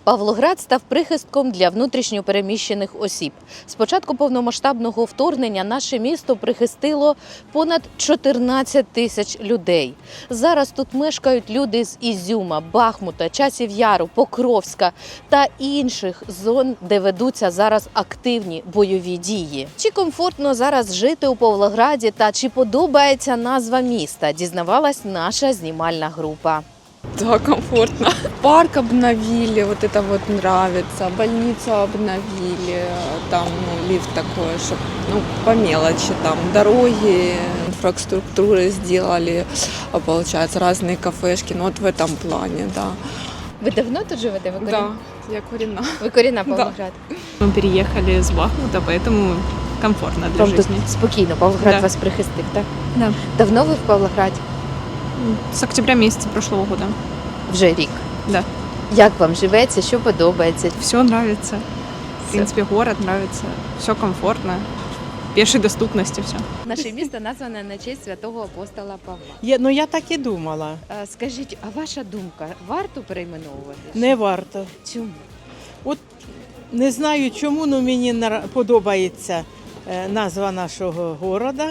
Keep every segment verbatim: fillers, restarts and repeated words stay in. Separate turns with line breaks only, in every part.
Павлоград став прихистком для внутрішньо переміщених осіб. З початку повномасштабного вторгнення наше місто прихистило понад чотирнадцять тисяч людей. Зараз тут мешкають люди з Ізюма, Бахмута, Часів Яру, Покровська та інших зон, де ведуться зараз активні бойові дії. Чи комфортно зараз жити у Павлограді та чи подобається назва міста, дізнавалась наша знімальна група.
Да, комфортно. Парк обновили, вот это вот нравится. Больницу обновили, там ну, лифт такой, чтобы ну, по мелочи, там дороги, инфраструктуры сделали, получается, разные кафешки, ну вот в этом плане, да.
Ви давно тут живете? Ви
Да, я коренна.
Ви корінна Павлоград?
Мы переехали с Бахмута, поэтому комфортно для
Вам тут
жизни.
спокійно, Павлоград
Да.
вас прихистив, так?
Да.
Давно ви в Павлограді?
С октября месяца прошлого года.
Вже рік.
Да.
Як вам живеться, що подобається?
Все нравится. В
Всё.
принципе, город нравится. Все комфортно. Пешей доступности все.
Наше місто назване на честь святого апостола Павла.
Я, ну я так і думала.
А, Скажіть, а ваша думка, варто перейменовувати?
Не варто.
Чому?
От не знаю чому, але мені нра- подобається е, назва нашого города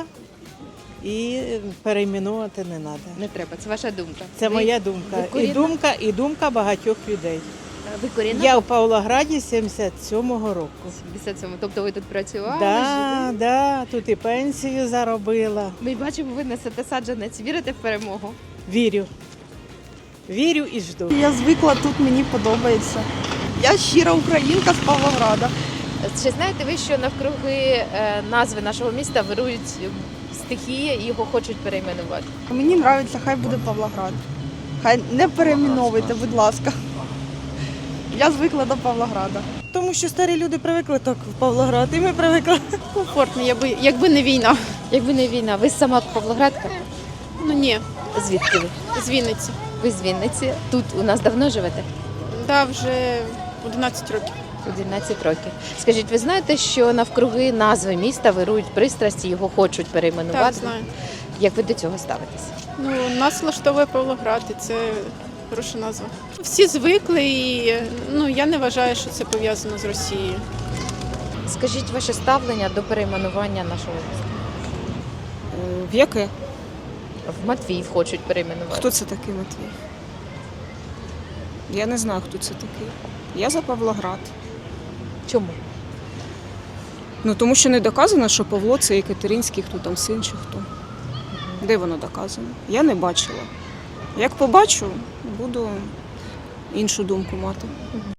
і перейменувати не треба.
Не треба, це ваша думка.
Це
Ви-
моя думка.
ви
І
корінна?
думка, і думка багатьох людей.
Ви корінна?
Я в Павлограді сімдесят сьомого року.
сімдесят сьомого. Тобто ви тут працювали?
Да,
жили?
да, тут і пенсію заробила.
Ми бачимо, ви несете саджанець. Вірите в перемогу?
Вірю. Вірю і жду.
Я звикла тут, мені подобається. Я щира українка з Павлограда.
Чи знаєте ви, що навкруги е, назви нашого міста вирують стихії і його хочуть перейменувати?
Мені подобається, хай буде Павлоград. Хай не перейменовуйте, будь ласка. Я звикла до Павлограда.
Тому що старі люди привикли так в Павлоград, і ми привикли.
Комфортно, якби, якби не війна.
Якби не війна, ви сама Павлоградка?
Ну ні,
Звідки ви?
з Вінниці.
Ви з Вінниці. Тут у нас давно живете?
Да, вже одинадцять років.
одинадцять років. Скажіть, ви знаєте, що навкруги назви міста вирують пристрасті, його хочуть перейменувати?
Так, знаю.
Як ви до цього ставитесь?
Ну, нас влаштовує Павлоград, і це хороша назва. Всі звикли, і ну, я не вважаю, що це пов'язано з Росією.
Скажіть ваше ставлення до перейменування нашого міста.
В яке?
В Матвіїв хочуть перейменувати.
Хто це такий Матвій? Я не знаю, хто це такий. Я за Павлоград.
Чому?
Ну тому що не доказано, що Павло це Екатеринський, хто там син чи хто. Де воно доказано? Я не бачила. Як побачу, буду іншу думку мати.